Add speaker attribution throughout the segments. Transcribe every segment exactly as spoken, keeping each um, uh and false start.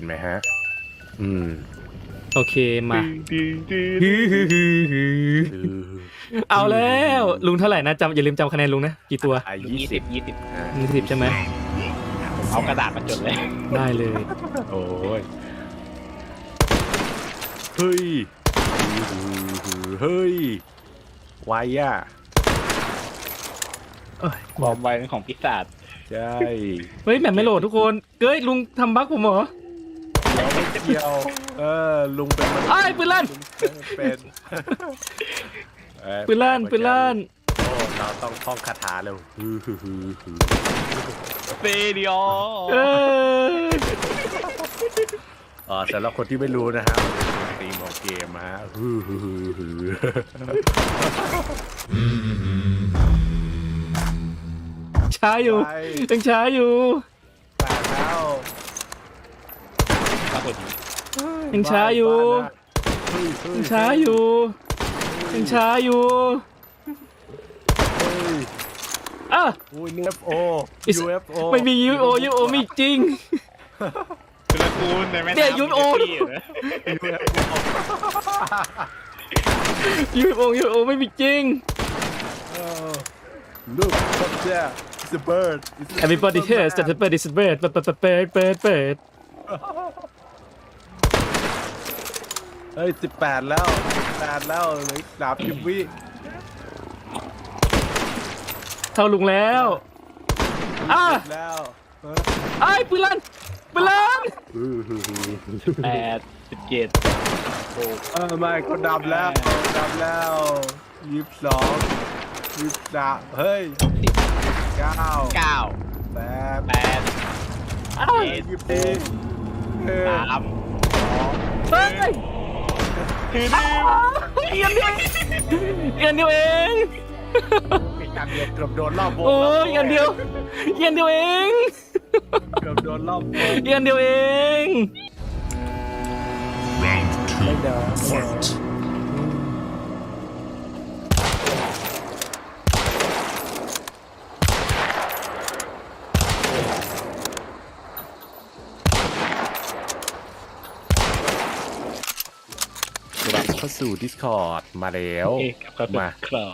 Speaker 1: ไหมฮะอืม
Speaker 2: โอเคมาเอาแล้วลุงเท่าไหร่นะจำอย่าลืมจำคะแนนลุงนะกี่ตัว
Speaker 1: อ่ะ
Speaker 3: ยี่
Speaker 1: ยี่
Speaker 3: สิ
Speaker 1: สิ
Speaker 3: บบ ยี่สิบ
Speaker 2: ยี่สิบใช่ไหม
Speaker 3: เอากระดาษมาจดเลย
Speaker 2: ได้เลย
Speaker 1: โอ้ยเฮ้ยเฮ้ยไวอ่ะ
Speaker 3: ความไวเป็นของปีศาจ
Speaker 1: ใช่
Speaker 2: เฮ้ยแมปไม่โหลดทุกคนเฮ้ยลุงทำบั๊กผมเหรอ
Speaker 1: เดี๋ยวไม่เกี่ยวเออลุงเป็นมนุษย์
Speaker 2: ไอ้ปืนลั่น
Speaker 1: เป็นเอ้ย
Speaker 2: ปืนลั่นปืนลั่น
Speaker 1: โอ้เราต้องท่องคาถาเร็วฮือฮือฮือฮือ
Speaker 3: เฟเดีย
Speaker 2: เออ
Speaker 1: อ๋อสำหรับคนที่ไม่รู้นะฮะมันเป็นธีมของเกมฮะฮือฮือฮือฮือ
Speaker 2: ช้าอยู่ยังช้าอยู่
Speaker 1: แปดแล้ว
Speaker 3: ปรากฏ
Speaker 2: ยังช้าอยู่
Speaker 1: เฮ้ยเฮ้
Speaker 2: ยังช้าอยู่ยังช้าอยู่
Speaker 1: เฮ้ย
Speaker 2: อ่ะ
Speaker 1: โอ้ย ยู เอฟ โอ
Speaker 2: It's-
Speaker 1: ยู เอฟ โอ
Speaker 2: ไม่มียูโอยูโอไม่จริง
Speaker 3: คือละกูลในแม่
Speaker 2: เนี่ย
Speaker 3: น้ำ
Speaker 2: ยูโอ ยูโอยูโอไม่มีจริง
Speaker 1: Look up there it's a bird It's a
Speaker 2: Everybody hears that the bird is a bird เปิดเปิดเปิดเปิดเปิดเปิด
Speaker 1: เฮ้ยสิบแปดแล้วสิบแปดแล้วเหลือสามสิบวิ
Speaker 2: เท่าลุงแล้วอ่ะ
Speaker 1: แล้ว
Speaker 2: ไอ้ปืนลั่นปืนลั่น
Speaker 3: แปดสิบเจ็ดโอ้
Speaker 1: เออไม่ก็ดำแล้วดำแล้วยี่สิบสองยี่สิบสามเฮ้ย
Speaker 3: สิบ
Speaker 1: เก้า
Speaker 3: เก้า
Speaker 1: แปด
Speaker 3: แปด
Speaker 2: อ้าว
Speaker 1: ยี่สิบสี่เออ
Speaker 3: สาม
Speaker 2: เฮ้ย
Speaker 3: คือ
Speaker 2: อ้าวเอียนเดียวเอียนเดียวเอง
Speaker 1: อีกอันเดียวเกือบโดนรอบวง
Speaker 2: โอ้ยเอียนเดียวเอียนเดียวเอง
Speaker 1: เกือบโดนรอบวง
Speaker 2: เอียนเดียวเอง
Speaker 4: Round
Speaker 1: ไม่
Speaker 4: two.
Speaker 1: เด้อ
Speaker 4: Fight.
Speaker 1: กลับเข้าสู่ Discord มาแล้ว
Speaker 3: โอเคครับ
Speaker 1: มา
Speaker 3: ครับ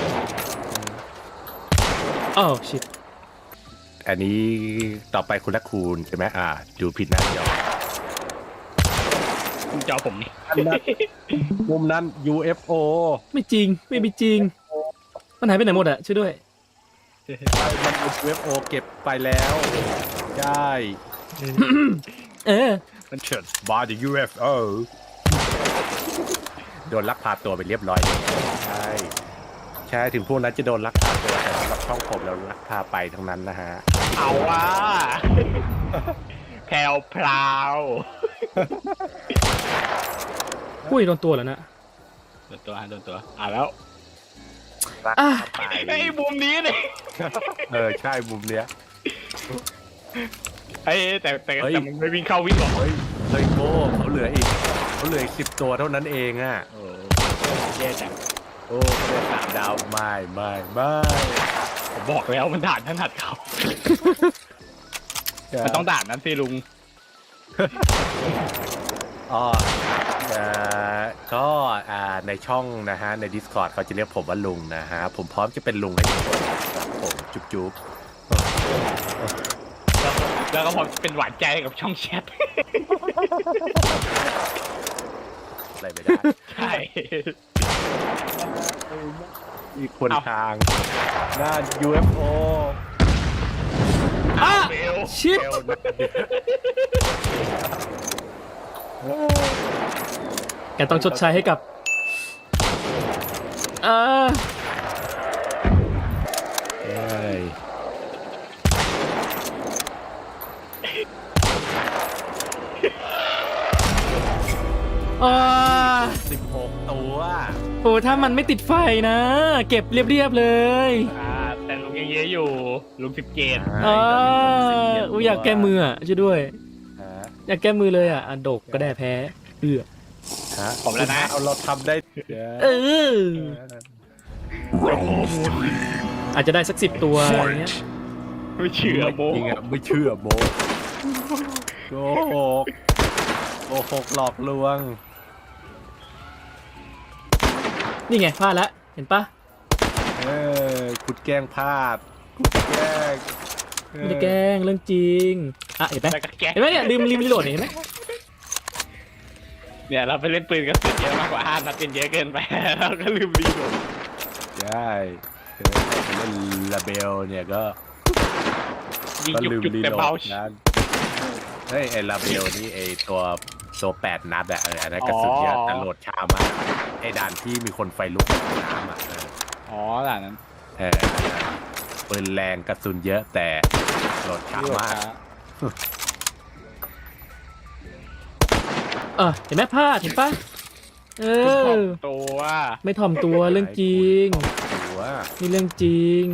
Speaker 2: อ้าวชิต
Speaker 1: อันนี้ต่อไปคุณละคูณใช่ไหมอ่าดูผิดหน้าจอ
Speaker 3: คุณเจ้าผมนี่
Speaker 1: อันนั้นมุมนั้น ยู เอฟ โอ
Speaker 2: ไม่จริงไม่มีจริงมันหายไปไหนหมดอะช่วยด้วย
Speaker 1: มันเป็น ยู เอฟ โอ เก็บไปแล้วใช่
Speaker 2: เออ
Speaker 1: มันเฉิดบาร์ด ยู เอฟ โอ โดนลักพาตัวไปเรียบร้อยใช่ใช่ถึงพวกนั้นจะโดนลักพาตัวแต่สำหรับช่องผมเราลักพาไปทั้งนั้นนะฮะ
Speaker 3: เอาว่าแพลวพราว
Speaker 2: อุ้ยโดนตัวแล้วนะ
Speaker 3: โดนตัวฮะโดนตัวอ่ะแล้ว
Speaker 1: ลัก
Speaker 2: อ่ะ
Speaker 1: พาไป
Speaker 3: ไอ้มุมนี้เนี่ย
Speaker 1: เออใช่มุมเนี้ย
Speaker 3: ไอ้แต่แต่
Speaker 1: เฮ้ย
Speaker 3: แต่มันไม่วิ่งเข้าวิ่งออก
Speaker 1: เฮ้ยเฮ้ยโก้เขาเหลืออีกเขาเหลืออีกสิบตัวเท่านั้นเองอ่ะ
Speaker 3: โอ้แย่จัง
Speaker 1: โอ้เขาได้สามดาวไม่ไม่ไม่
Speaker 3: ผมบอกแล้วมันด่านถนัดเขามันต้องด่านนั้นสิลุง
Speaker 1: อ๋อเอ่อก็อ่าในช่องนะฮะใน Discord เขาจะเรียกผมว่าลุงนะฮะผมพร้อมจะเป็นลุงให้ทุกคนครับผมจุ๊บจุ๊บ
Speaker 3: แล้วก็พอเป็นหวานใจกับช่องแชท
Speaker 1: อะไรไม่ได้
Speaker 3: ใช่
Speaker 1: อีกคน
Speaker 3: เอ้า
Speaker 1: ทางหน้า ยู เอฟ โอ
Speaker 2: อ่ะ
Speaker 3: เบล
Speaker 2: ชิต
Speaker 1: เอลนะ
Speaker 2: แกต้องชดใช้ให้กับอ่า
Speaker 1: เอ้ย
Speaker 2: อ่า
Speaker 1: สิบหกตัว
Speaker 2: โอ้ถ้ามันไม่ติดไฟนะ เก็บเรียบๆเลย
Speaker 3: อ่าแต่ลุงยังเยอะอยู่ลุงสิบเจ็ด
Speaker 2: อ่าอุ้ยอยากแก้มืออ่ะช่วยด้วย
Speaker 1: ฮะ
Speaker 2: อยากแก้มือเลยอ่ะอ่ะดกก็ได้แพ้เอือ
Speaker 1: ฮะ
Speaker 3: ผมแล้วนะ
Speaker 1: เอาเราทำได้
Speaker 2: เออ
Speaker 4: Round three.
Speaker 2: อาจจะได้สักสิบตัวอะไรเงี้ย
Speaker 3: ไม่เชื่อโม
Speaker 1: จริงอ่ะไม่เชื่อโมโกหกโกหกหลอกลวง
Speaker 2: นี่ไงพลาดแล้วเห็นปะ
Speaker 1: เออคุณแกล้งพลาดคุณแกล้งเออ
Speaker 2: ไม่ได้แกล้งเรื่องจริงอ่ะเห็นไหม
Speaker 3: แล้วก็แกะ
Speaker 2: เห็นไหมเนี่ยลืมลืมรีโหลดเนี่ยเห็นไหม
Speaker 3: เนี่ยเราไปเล่นปืนกระสุนเยอะมากกว่าห้านัดเป็นเยอะเกินไป เราก็ลืมรีโหลด
Speaker 1: ใช่เออเล่นลาเบลเนี่ยก็
Speaker 3: ยิง
Speaker 1: ก็
Speaker 3: จุก
Speaker 1: ลืม
Speaker 3: จุก
Speaker 1: รี
Speaker 3: แต่
Speaker 1: โหล
Speaker 3: เบา
Speaker 1: ดนั้นเฮ้ยไอ้ลาเบลนี่ไอ้ตัวตัวแปดนัดอะเอออันนั้นกระสุนเยอะแต่โหลดช้ามากไอ้ด่านที่มีคนไฟลุกในน้ำอะเออ
Speaker 3: อ๋อหล่ะนั้น
Speaker 1: เออปืนแรงกระสุนเยอะแต่โหลดช้ามาก
Speaker 2: เออเห็นไหมพลาดเห็นปะเอ
Speaker 3: คุณ
Speaker 2: อ
Speaker 3: ตัว
Speaker 2: ไม่ถ่อมตัวเรื่องจริง
Speaker 1: หัว
Speaker 2: นี่เรื่องจริง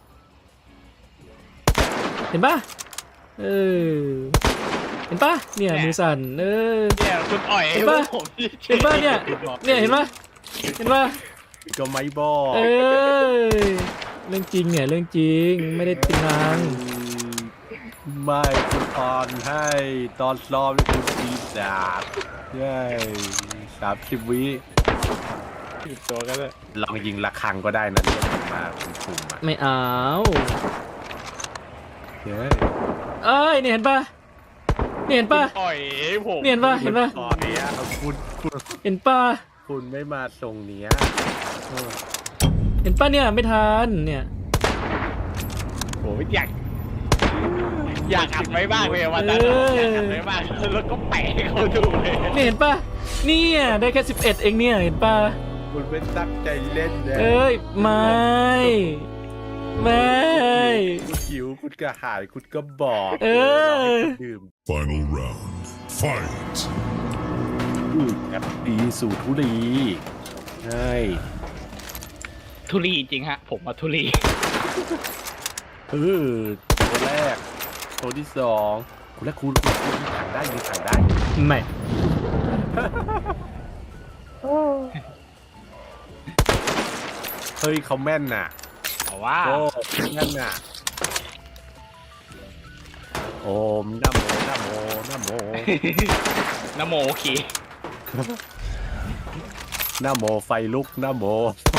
Speaker 2: เห็นปะเออเห็นปะเนี่ยมือสั่นเออ
Speaker 3: เนี่ยคุณอ่อย
Speaker 2: เห็นปะ
Speaker 3: ผมที่
Speaker 2: เห็นปะเนี่ยเนี่ยเห็นปะเห็นปะ
Speaker 1: ก็ไม่บอก
Speaker 2: เออเรื่องจริงเนี่ยเรื่องจริงไม่ได้ติงนาง
Speaker 1: ไม่คุณตอนให้ตอนซ้อมนี่คุณตีดาบเย้สามสิบวิ
Speaker 3: ผิดตัวก็เลย
Speaker 1: ลองยิงระฆังก็ได้นะเรียกมันมาคุณคุมอ่ะ
Speaker 2: ไม่เอา
Speaker 1: เย้
Speaker 2: เอ้ยเนี่ยเห็นปะเนี่ยเห็นปะ
Speaker 3: อ่อยผม
Speaker 2: เนี่ยเห็นปะเห็นปะ
Speaker 1: ตอนเนี้ยคุณคุณ
Speaker 2: เห็นปะ
Speaker 1: คุณไม่มาทรงเนี้ยเออ
Speaker 2: เห็นปะเนี่ยไม่ทันเนี่ย
Speaker 3: โอ้ยอยากอยากอัดไว้บ้างเลยวันนั้นอะอยากอัดไว้บ้างแล้วก็แปะให้เขาดูเลย
Speaker 2: เนี่ยเห็นปะเนี่ยได้แค่สิบเอ็ดเองเนี่ยเห็นปะ
Speaker 1: คุณไม่ตั้งใจเล่นนะ
Speaker 2: เอ้ยไม่ไม่
Speaker 1: คุณหิวคุณกระหายคุณก็บอก
Speaker 2: เออ
Speaker 1: รให้คุณดื่ม
Speaker 4: Final round. Fight.
Speaker 1: อืมแอปปีสู่ทุลีใช่
Speaker 3: ทุลีจริงฮะ ผมมาทุลี
Speaker 1: เออตัวแรก ตัวที่สองคุณและคุณคุณคุณยิงถังได้ยิงถังได้
Speaker 2: ไม่
Speaker 1: เฮ้ยเขาแม่นน่ะ
Speaker 3: แต่ว่า
Speaker 1: โอ้แม่นน่ะโอมนะโมนะโมนะโม
Speaker 3: นโมโอเค
Speaker 1: นะโมไฟลุกนะโม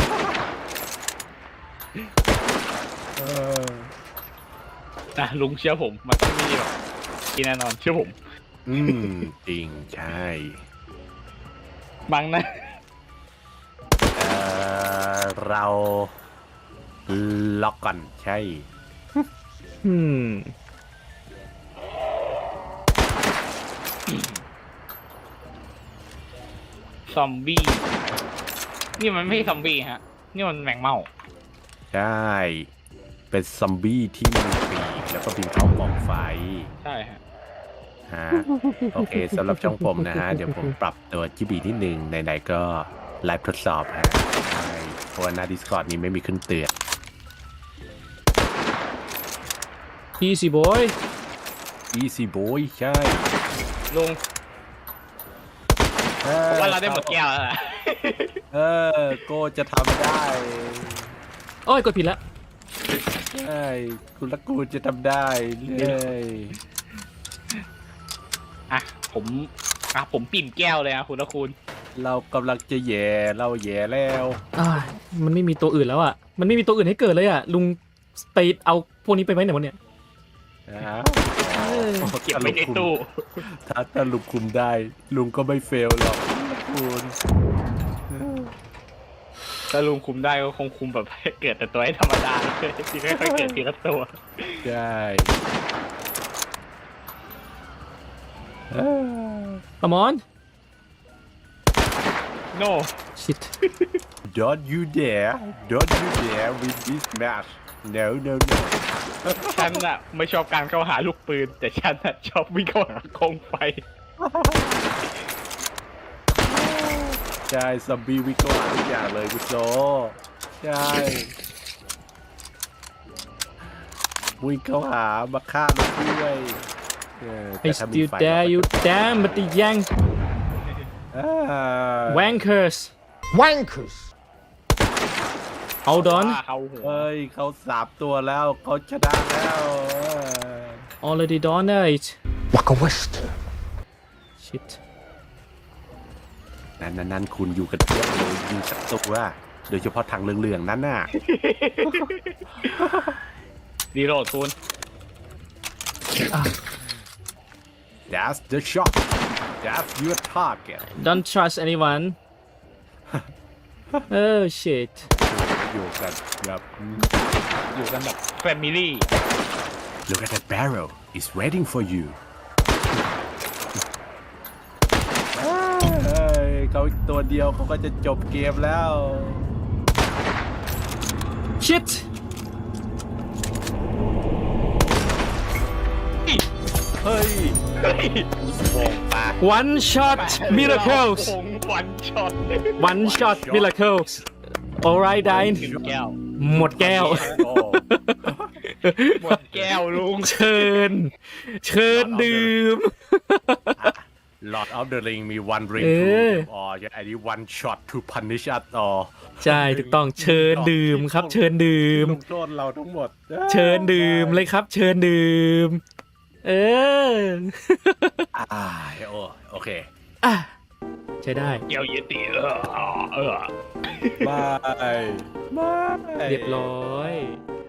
Speaker 1: เออ
Speaker 3: นะลุงเชื่อผม มันต้องมีแบบกินแน่นอนเชื่อผม
Speaker 1: อืมจริงใช่
Speaker 3: บังนะ
Speaker 1: เออเราล็อกก่อนใช่
Speaker 2: อืม
Speaker 3: ซอมบี้ นี่มันไม่ใช่ซอมบี้ฮะ นี่มันแมงเม่า
Speaker 1: ใช่ เป็นซอมบี้ที่มีปีกแล้วก็บินเข้ากองไฟ
Speaker 3: ใช่ฮะ
Speaker 1: ฮะโอเคสำหรับช่องผมนะฮะ เดี๋ยวผมปรับตัวจิบีนิดนึงไหนๆก็ไลฟ์ทดสอบฮะใช่เพราะว่าหน้า Discord นี้ไม่มีขึ้นเตือน
Speaker 2: easy boy
Speaker 1: Easy Boy ใช่
Speaker 3: ลุง
Speaker 1: ออ
Speaker 3: ผมว่าเราได้หมดแก้วแล้วล่ะ
Speaker 1: เออโก็จะทำได้
Speaker 2: โอ้ยกดผิดละ
Speaker 1: ใช่คุณละกูจะทำได้เลย
Speaker 3: อ่ะ ผมอ่ะผมปิ่มแก้วเลยนะคุณละคุณ
Speaker 1: เรากำลังจะแย่เราแย่แล้ว
Speaker 2: อ่ามันไม่มีตัวอื่นแล้วอ่ะมันไม่มีตัวอื่นให้เกิดเลยอ่ะลุงไปเอาพวกนี้ไปไว้ไหนวะเนี่ย
Speaker 1: นะ
Speaker 2: เออ
Speaker 3: เก็บไว้ในตู้
Speaker 1: ถ้าถ้าลุงคุมได้ ลุงก็ไม่เฟลหรอกคุณ
Speaker 3: ถ้าลุงคุมได้ก็คงคุมแบบ เกิดแต่ตัวให้ธรรมดาเลยที่ไม่ค่อยเกิดทีละตัว
Speaker 1: ใช่เออ
Speaker 2: Come on
Speaker 3: no
Speaker 2: shit
Speaker 1: Don't you dare Don't you dare win this match No no no
Speaker 3: ฉันอะไม่ชอบการเข้าหาลูกปืน แต่ฉันอะชอบวิ่งเข้าหาโคมไฟ
Speaker 1: ใช่ซอมบี้วิกก็หาทุกอย่างเลยคุณโซใช่วิ่งเข้าหามาฆ่ามาด้วยเออ
Speaker 2: I
Speaker 1: แต่ถ้ามี
Speaker 2: still
Speaker 1: ไฟ
Speaker 2: dare you damn but the young
Speaker 1: อ่า
Speaker 2: wankers
Speaker 4: Wankers.
Speaker 2: hold on
Speaker 3: ว่าเขาหัว
Speaker 1: เฮ้ยเขาสามตัวแล้วเขาชนะแล้วเออ
Speaker 2: already done it
Speaker 4: Waka West.
Speaker 2: shit
Speaker 1: นั่นนั่นนั่นคุณอยู่กันเยอะเลยยิงสักตัวโดยเฉพาะทางเหลืองๆนั่นน่ะ
Speaker 3: รีโหลดคุณ
Speaker 1: That's the shot That's your target
Speaker 2: Don't trust anyone oh shit
Speaker 1: อยู่กันแบบ
Speaker 3: อยู่กันแบบแฟมิลี่
Speaker 1: Look at that barrel It's waiting for you เฮ้ยเขาอีกตัวเดียวเขาก็จะจบเกมแล้ว
Speaker 2: shit
Speaker 1: เฮ้ย
Speaker 3: เฮ้ย
Speaker 1: โวงปาก
Speaker 2: one shot miracles
Speaker 3: วันช็อต
Speaker 2: one shot miracles alright Dine
Speaker 3: ถึงแก้ว
Speaker 2: หมดแก้ว
Speaker 1: โอ้
Speaker 3: หมดแก้วลุง
Speaker 2: เชิญ เชิญดื่ม
Speaker 1: Lord of the Ring มี one ring
Speaker 2: เอ
Speaker 1: to
Speaker 2: อ
Speaker 1: them all อันนี้ one shot to punish us all
Speaker 2: ใช่ถูกต้องเชิญดื่มครับ เชิญดื่ม
Speaker 1: ลงโทษเราทั้งหมด
Speaker 2: เชิญดื่มเลยครับ เชิญดื่ม เออ
Speaker 1: อ่าโอโอเค
Speaker 2: อ่ะใช้ได้
Speaker 3: แก้วเยติเออเออ
Speaker 1: บายบาย
Speaker 2: เรียบร้อย
Speaker 1: บ